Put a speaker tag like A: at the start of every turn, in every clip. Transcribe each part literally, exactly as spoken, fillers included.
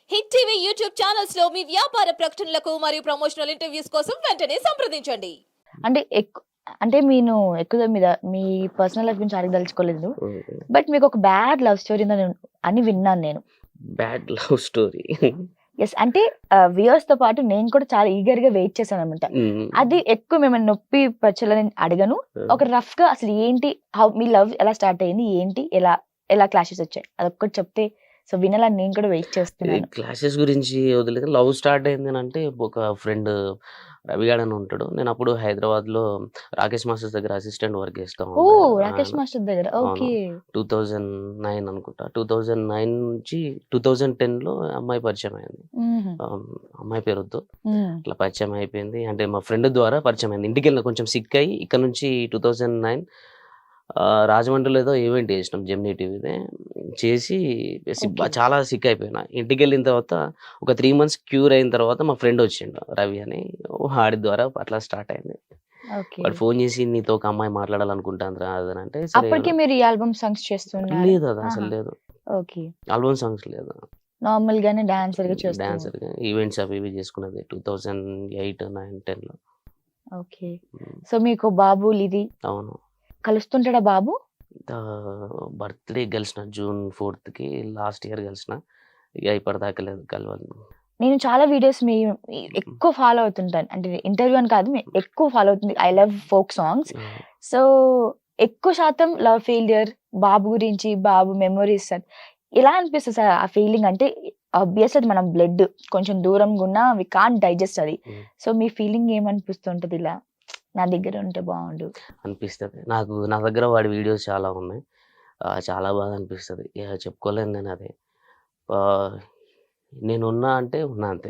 A: Hit TV YouTube channels లో మీ వ్యాపార ప్రకటనలకు మరియు ప్రమోషనల్ ఇంటర్వ్యూస్ కోసం వెంటనే సంప్రదించండి.
B: అంటే ఎక్కు అంటే నేను ఎక్కువ మీద మీ పర్సనల్ లైఫ్ గురించి అడగదలుచుకోలేదు. బట్ మీకు ఒక బ్యాడ్ లవ్ స్టోరీ ఉందని అని విన్నాను నేను.
C: Bad love story.
B: యెస్. అంటే ఆహ్, వ్యూయర్స్ తో పాటు నేను కూడా చాలా ఈగర్‌గా వెయిట్ చేశానన్నమాట.
C: హ్మ్.
B: అది ఎక్కువ మిమ్మల్ని నొప్పి పరచాలని అడగను. ఒక రఫ్‌గా అసలు ఏంటి? హౌ మీ లవ్ ఎలా స్టార్ట్ అయింది? ఏంటి? ఎలా ఎలా క్లాషెస్ వచ్చాయి? అదొక్కటి చెప్తే సో వినాలని నేను కూడా వెయిట్
C: ఈ
B: చేస్తున్నాను.
C: క్లాషెస్ గురించి వదిలేసి లవ్ స్టార్ట్ అయిందనంటే ఒక ఫ్రెండ్ రవి గాడు అని ఉంటాడు. నేను అప్పుడు హైదరాబాద్‌లో రాకేష్ మాస్టర్స్ దగ్గర అసిస్టెంట్ వర్క్ చేస్తా ఉండే.
B: ఓహ్! రాకేష్
C: ఆయన
B: మాస్టర్ దగ్గర.
C: అవును.
B: ఓకే.
C: రెండు వేల తొమ్మిది అనుకుంటా. రెండు వేల తొమ్మిది నుంచి రెండు వేల పదిలో అమ్మాయి పరిచయం అయింది.
B: హుహు.
C: ఆహ్, అమ్మాయి పేరొద్దు.
B: హ్మ్.
C: అట్లా పరిచయం అయిపోయింది. అంటే మా ఫ్రెండ్ ద్వారా పరిచయం అయింది. ఇంటికెళ్ళిన కొంచెం సిక్ అయ్యి ఇక్కడ నుంచి రెండు వేల తొమ్మిది ఆహ్, రాజమండ్రిలో ఏదో ఈవెంట్ చేసినాం జెమినీ టీవీదే. చేసి సి
B: ఓకే.
C: చాలా సిక్ అయిపోయినా. ఇంటికెళ్ళిన తర్వాత ఒక మూడు మంత్స్ క్యూర్ అయిన తర్వాత మా ఫ్రెండ్ వచ్చిండు రవి అని. వాడి ద్వారా అట్లా స్టార్ట్ అయింది.
B: ఓకే.
C: వాడు ఫోన్ చేసి నీతో ఒక అమ్మాయి మాట్లాడాలనుకుంటాందిరా అది అని అంటే సరే
B: అప్పటికే మీరు ఈ ఆల్బమ్ సాంగ్స్ చేస్తున్నారా?
C: లేదు అది అసలు
B: ఆహా!
C: లేదు.
B: ఓకే.
C: ఆల్బమ్ సాంగ్స్ లేదు.
B: నార్మల్ గానే డాన్సర్‌గా చేస్తూ
C: డాన్సర్‌గా ఈవెంట్స్ అవి ఇవి చేసుకున్నది రెండు వేల ఎనిమిది, తొమ్మిది, పదిలో.
B: ఓకే.
C: హ్మ్.
B: సో మీకు బాబు లిరి
C: అవును.
B: కలుస్తుంటాడా బాబు?
C: ఆహ్, బర్త్‌డే కలిసిన జూన్ నాలుగుకి లాస్ట్ ఇయర్ కలిసిన. ఇగ ఇప్పటిదాకా లేదు కలవను.
B: నేను చాలా వీడియోస్ మీ మీ ఎక్కువ ఫాలో అవుతుంటాను. అంటే ఇంటర్వ్యూ అని కాదు. మీ ఎక్కువ ఫాలో అవుతుంది. I love folk songs.
C: Hmm.
B: So ఎక్కువ శాతం లవ్ ఫెయిల్యూర్, బాబు గురించి, బాబు మెమోరీస్ ఎలా అనిపిస్తది సార్ ఆ ఫీలింగ్? అంటే ఆబ్వియస్ అది మన బ్లడ్ కొంచెం దూరంగా ఉన్నా వి కాంట్ డైజెస్ట్ అది.
C: హ్మ్.
B: సో మీ ఫీలింగ్ ఏమనిపిస్తుంటది ఇలా? నా దగ్గర ఉంటే బావుండు.
C: అనిపిస్తది. నాకు నా దగ్గర వాడి వీడియోస్ చాలా ఉన్నాయి. ఆహ్, చాలా బాగా అనిపిస్తది. ఇగ చెప్పుకోలేను నేను అది. ఆహ్, నేనున్నా అంటే ఉన్నా అంతే.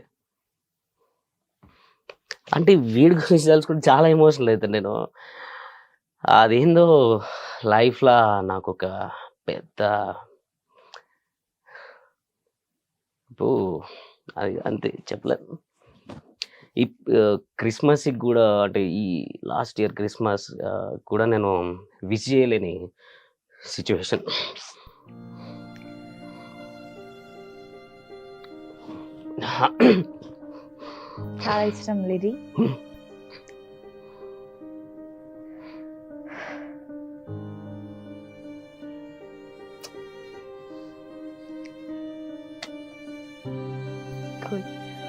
C: అంటే వీడి గురించి తలుచుకుంటే చాలా ఎమోషనల్ అయితా నేను. అదేందో లైఫ్‌ల నాకొక పెద్ద అబ్బో! అది అంతే చెప్పలేను. ఇప్ ఆహ్, క్రిస్మస్‌కి గూడా అంటే ఈ లాస్ట్ ఇయర్ క్రిస్మస్ ఆహ్, కూడా నేను విష్ చేయలేని సిట్యుయేషన్.
B: చాలా ఇష్టం లిరి. కూల్.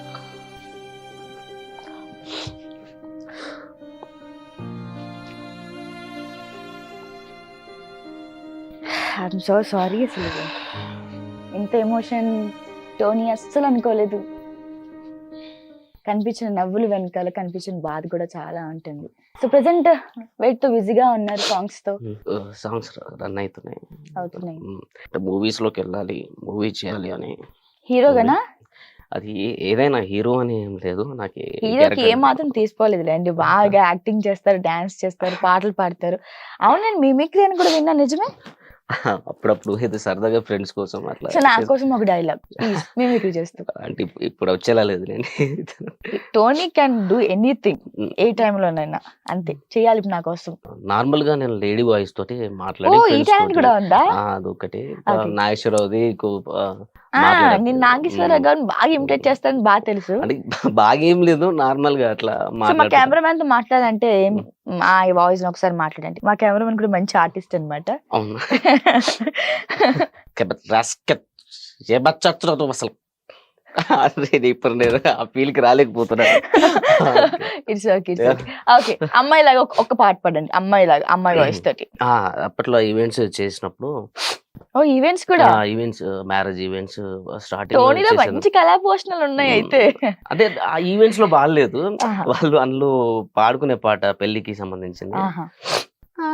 B: ఐయామ్ సో సారీ అసలు. ఇంత ఎమోషన్ టోనీ అస్సలు అనుకోలేదు. కనిపించిన నవ్వులు వెనకాల కనిపించిన బాధ కూడా చాలా ఉంటుంది. సో ప్రెజెంట్ వేటితో బిజీగా ఉన్నారు సాంగ్స్‌తో?
C: హ్మ్. ఆహ్, సాంగ్స్ రన్ అయితున్నాయి.
B: అవుతున్నాయి.
C: హ్మ్. అంటే మూవీస్‌లోకెళ్ళాలి, మూవీ చేయాలి అని ఉంది.
B: హీరోగానా?
C: అది ఏ ఏదైనా హీరో అని ఏం లేదు. నాకు ఏ
B: హీరోకి
C: క్యారెక్టర్
B: ఏమాత్రం తీసిపోలేదులేండి. బాగా యాక్టింగ్ చేస్తారు, డాన్స్ చేస్తారు, పాటలు పాడతారు. అవును, నేను మిమిక్రీ అని కూడా విన్నా, నిజమే?
C: అప్పుడప్పుడు ఏదో సరదాగా ఫ్రెండ్స్ కోసం అట్లా
B: సో నా
C: చేస్
B: కోసం ఒక డైలాగ్ ప్లీజ్ మిమిక్రీ చేస్తూ.
C: అంటే ఇప్ ఇప్పుడు వచ్చేలా లేదులెండి.
B: Tony can do anything
C: hmm.
B: ఏ టైంలోనైనా. అంతే చేయాలి నా కోసం.
C: నార్మల్‌గా నేను లేడీ వాయిస్ తోటి
B: ఓ
C: మాట్లాడి
B: ఈ
C: ఫ్రెండ్స్
B: టాలెంట్
C: తోటి
B: కూడా ఉందా?
C: ఆ! అదొకటి.
B: ఓకే.
C: నాగేశ్వరరావుది కు ఆహ్,
B: ఆ
C: మాట్లాడా
B: నేను నాగేశ్వరరావు
C: హ్మ్.
B: గారిని బాగా ఇమిటేట్ చేస్తానని బాగా తెలుసు.
C: అంటే బాగా ఏం లేదు. నార్మల్‌గా అట్లా
B: సో మా
C: మాట్లాడుతుంటా.
B: కెమెరామెన్ తో మాట్లాడంటే
C: హ్మ్.
B: మా వాయిస్ ఒకసారి మాట్లాడండి. మా కెమెరామెన్ కూడా మంచి ఆర్టిస్ట్ అన్నమాట.
C: అవునా? కెబత్ రాస్కెత్ ఏ బచ్చచ్చురదు అసలు. అరే ఇప్పుడు నేను ఆ ఫీల్‌కి రాలేకపోతున్నాను. Okay.
B: It's okay. It's okay. Okay. అమ్మాయిలాగా ఒక ఒక్క పాట పాడండి. అమ్మాయిలాగా అమ్మాయి వాయిస్ తోటి.
C: ఆ! అప్పట్లో ఈవెంట్స్ చేసినప్పుడు
B: ఓహ్! ఈవెంట్స్
C: ఆ!
B: కూడా?
C: ఈవెంట్స్ మ్యారేజ్ ఈవెంట్స్ స్టార్టింగ్‌లో
B: టోనీలో
C: చేశాను.
B: మంచి కళా పోషణలు ఉన్నాయి
C: హ్మ్.
B: అయితే.
C: అంటే ఆ ఈవెంట్స్‌లో పాడలేదు.
B: ఆహా!
C: వాళ్ళు అందులో పాడుకునే పాట పెళ్ళికి సంబంధించింది.
B: ఆహా!
C: ఆ!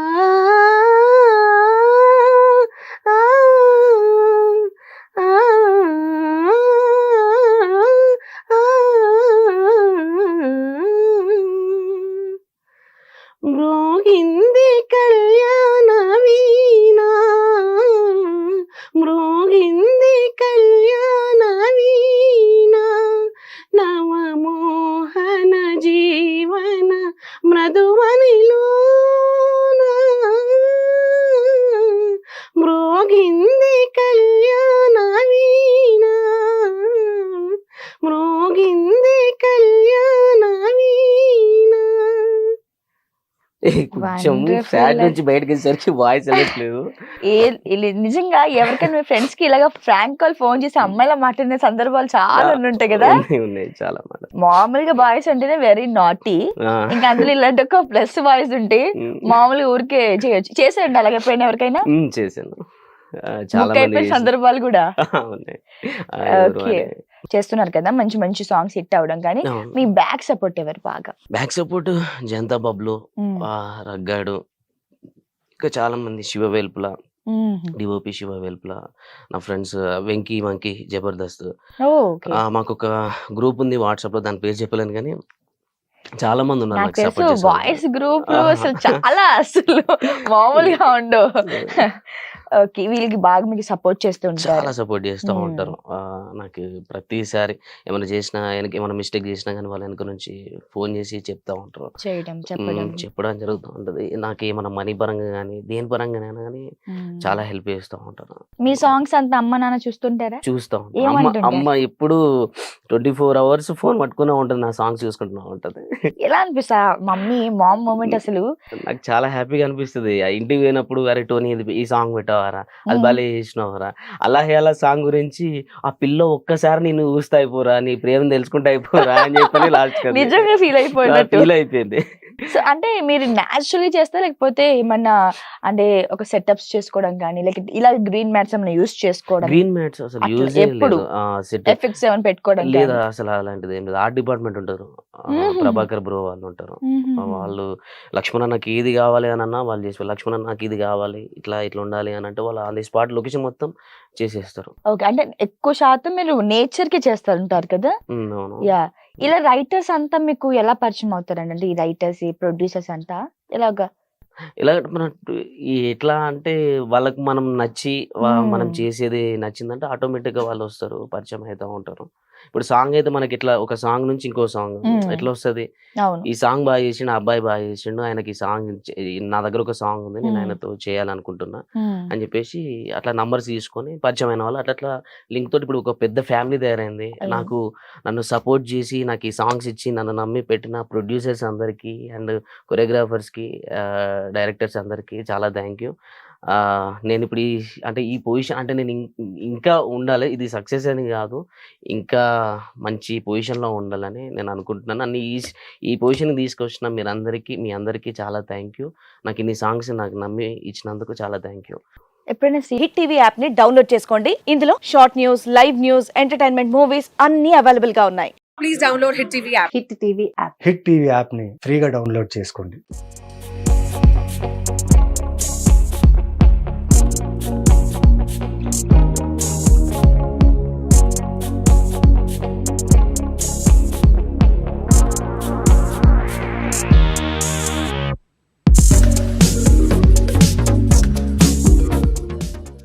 C: ఆ! ఆ! మ్రోగింది కళ్యాణ వీణ మ్రోగింది కళ్యాణ వీణ నవమోహన జీవన మృదువనిలో కొంచెం
B: Wonderful.
C: ఫ్యాట్ నుంచి బయటకు వచ్చేసరికి వాయిస్ వెళ్ళట్లేదు.
B: ఏ ఇలి- నిజంగా ఎవరికైనా మీ ఫ్రెండ్స్ కి ఇలాగా ఫ్రాంక్ కాల్ ఫోన్ చేసి అమ్మాయిలా మాట్లాడిన సందర్భాలు చాలా ఉంటాయి కదా.
C: ఉన్నాయి ఉన్నాయి చాలా మాట.
B: మామూలుగా బాయ్స్ అంటేనే వెరీ నాటీ,
C: ఆ,
B: ఇంకా అందులో ఇలాంటి ఒక ప్లస్ బాయ్స్ ఉంటే
C: ఉమ్,
B: మామూలుగా ఊరికే చేయొచ్చు. చేసేయండి అలాగే ఎప్పుడైనా ఎవరికైనా
C: ఉమ్, చేశాను. ఆ, చాలా
B: బుక్
C: మంది
B: అయిపోయిన సందర్భాలు కూడా
C: ఉన్నాయి. ఆ, ఎవరు
B: ఓకే.
C: అని.
B: చేస్తున్నారు కదా మంచి మంచి సాంగ్స్ హిట్ అవడం. కానీ
C: అవును.
B: మీ బ్యాక్ సపోర్ట్ ఎవరు బాగా?
C: బ్యాక్ సపోర్ట్ జనతా బబ్లు,
B: ఉమ్,
C: ఆ, రగ్గాడు, ఇంకా చాలా మంది, శివ వేల్పుల,
B: ఉమ్,
C: డిఓపి శివ వేల్పుల, నా friends Venky monkey Jabardasth.
B: Okay.
C: ఆ, మాకు ఒక గ్రూప్ ఉంది వాట్సాప్ లో, దాని పేరు చెప్పలేను కానీ చాలా మంది ఉన్నారు
B: నాకు
C: నాకు
B: తెలుసు
C: సపోర్ట్ చేసే వాళ్ళు.
B: బాయ్స్ గ్రూప్
C: ఆహా.
B: అసలు చాలా అసలు మామూలుగా ఉండవు. ఓకే, వీళ్ళకి బాగా మీకు సపోర్ట్ చేస్తూ ఉంటారు.
C: చాలా సపోర్ట్ చేస్తూ
B: మ్మ్.
C: ఉంటారు. ఆ, నాకు ప్రతిసారి ఏమైనా చేసినా, వెనక ఏమైనా మిస్టేక్ చేసినా కానీ వాళ్ళ వెనక నుంచి ఫోన్ చేసి చెప్తా ఉంటారు.
B: చేయడం
C: మ్మ్,
B: చెప్పడం.
C: చెప్పడం జరుగుతూ ఉంటుంది. నాకు ఏమైనా మనీ పరంగా కానీ దేని పరంగానైనా కానీ
B: మ్మ్.
C: చాలా హెల్ప్ చేస్తూ ఉంటారు.
B: మీ సాంగ్స్ అంతా అమ్మ నాన్న చూస్తుంటారా?
C: చూస్తూ ఉంటాను. అమ్మ
B: ఏమంటుంటారు?
C: అమ్మ ఎప్పుడు ట్వంటీ ఫోర్ అవర్స్ ఫోన్ పట్టుకునే ఉంటుంది, నా సాంగ్స్ చూసుకుంటున్నా ఉంటుంది.
B: ఎలా అనిపిస్తా మమ్మీ మామ్ మూమెంట్ అసలు?
C: నాకు చాలా హ్యాపీగా అనిపిస్తుంది. ఆ ఇంటికి పోయినప్పుడు అరే టోనీ ఇది ఈ సాంగ్ పెట్టావారా, అది
B: మ్మ్.
C: భలే చేసినావురా, అలా అలా సాంగ్ గురించి ఆ పిల్ల ఒక్కసారి నేను చూస్తా అయిపోరా, నీ ప్రేమ తెలుసుకుంటా అయిపోరా అని చెప్పని లాస్ట్
B: నిజంగా ఫీల్ అయిపోయినట్టు.
C: ఫీల్ అయిపోయింది.
B: సో అంటే మీరు న్యాచురల్లీ చేస్తా లేకపోతే ఏమన్నా అంటే ఒక సెటప్స్ చేసుకోవడం కానీ లేక ఇలా గ్రీన్ మ్యాట్స్ ఏమైనా యూస్ చేసుకోవడం,
C: గ్రీన్ మ్యాట్స్ అసలు
B: అట్లా
C: యూజ్
B: ఎప్పుడు?
C: లేదు. సెట్
B: ఎఫెక్ట్స్ ఏమైనా పెట్టుకోవడం
C: లేదా
B: కానీ?
C: అసలు అలాంటిది ఏం లేదు. ఆర్ట్ డిపార్ట్మెంట్ ఉంటారు, ఆ,
B: మ్మ్.
C: ప్రభాకర్ బ్రో వాళ్ళు ఉంటారు. ఆ,
B: మ్మ్.
C: వాళ్ళు లక్ష్మణ నాకు ఇది కావాలి అని అన్నా వాళ్ళు చేసి, లక్ష్మణ నాకు ఇది కావాలి ఇట్లా ఇట్లా ఉండాలి అని అంటే వాళ్ళు ఆన్ ది స్పాట్ లొకేషన్ మొత్తం చేసేస్తారు.
B: ఓకే, అంటే ఎక్కువ శాతం మీరు నేచర్ కి చేస్తూ ఉంటారు కదా.
C: ఉమ్, అవును.
B: యా, ఇలా రైటర్స్ అంతా మీకు ఎలా పరిచయం అవుతారండి? అంటే ఈ రైటర్స్ ఈ ప్రొడ్యూసర్స్ అంతా ఎలాగా?
C: ఎలా మన ఈ ఎట్లా అంటే వాళ్ళకి మనం నచ్చి వా- మనం
B: మ్మ్.
C: చేసేది నచ్చిందంటే ఆటోమేటిక్ గా వాళ్ళు వస్తారు, పరిచయం అవుతూ ఉంటారు. ఇప్పుడు సాంగ్ అయితే మనకి ఇట్లా ఒక సాంగ్ నుంచి ఇంకో సాంగ్
B: మ్మ్.
C: ఎట్లా వస్తుంది,
B: అవును.
C: ఈ సాంగ్ బాగా చేసిండు, ఆ అబ్బాయి బాగా చేసిండు, ఆయనకి ఈ సాంగ్ చే- నా దగ్గర ఒక సాంగ్ ఉంది, నేను
B: మ్మ్.
C: ఆయనతో చేయాలనుకుంటున్నా
B: మ్మ్.
C: అని చెప్పేసి అట్లా నంబర్స్ తీసుకొని పరిచయం అయిన వాళ్ళు అట్లా అట్లా లింక్ తోటి ఇప్పుడు ఒక పెద్ద ఫ్యామిలీ తయారైంది.
B: అయ్యో.
C: నాకు నన్ను సపోర్ట్ చేసి నాకు ఈ సాంగ్స్ ఇచ్చి నన్ను నమ్మి పెట్టిన ప్రొడ్యూసర్స్ అందరికీ అండ్ కొరియోగ్రాఫర్స్కి, డైరెక్టర్స్ అందరికీ చాలా థ్యాంక్ యూ. నేను ఇప్పుడు ఈ అంటే ఈ పొజిషన్ అంటే నేను ఇం- ఇంకా ఉండాలి, ఇది సక్సెస్ అని కాదు, ఇంకా మంచి పొజిషన్లో ఉండాలని నేను అనుకుంటున్నాను. నన్ను ఈ ఈ పొజిషన్కి తీసుకొచ్చిన మీరందరికీ మీ అందరికీ చాలా థ్యాంక్ యూ. నాకు ఇన్ని సాంగ్స్ నాకు నమ్మి ఇచ్చినందుకు చాలా థ్యాంక్ యూ.
B: ఎప్పుడైనా
D: హిట్ టీవీ యాప్ ని డౌన్లోడ్ చేసుకోండి. ఇందులో short news, live news, entertainment movies అన్ని అవైలబుల్ గా ఉన్నాయి. Please download hit TV app.
E: Hit TV యాప్ని ఫ్రీగా డౌన్లోడ్ చేసుకోండి.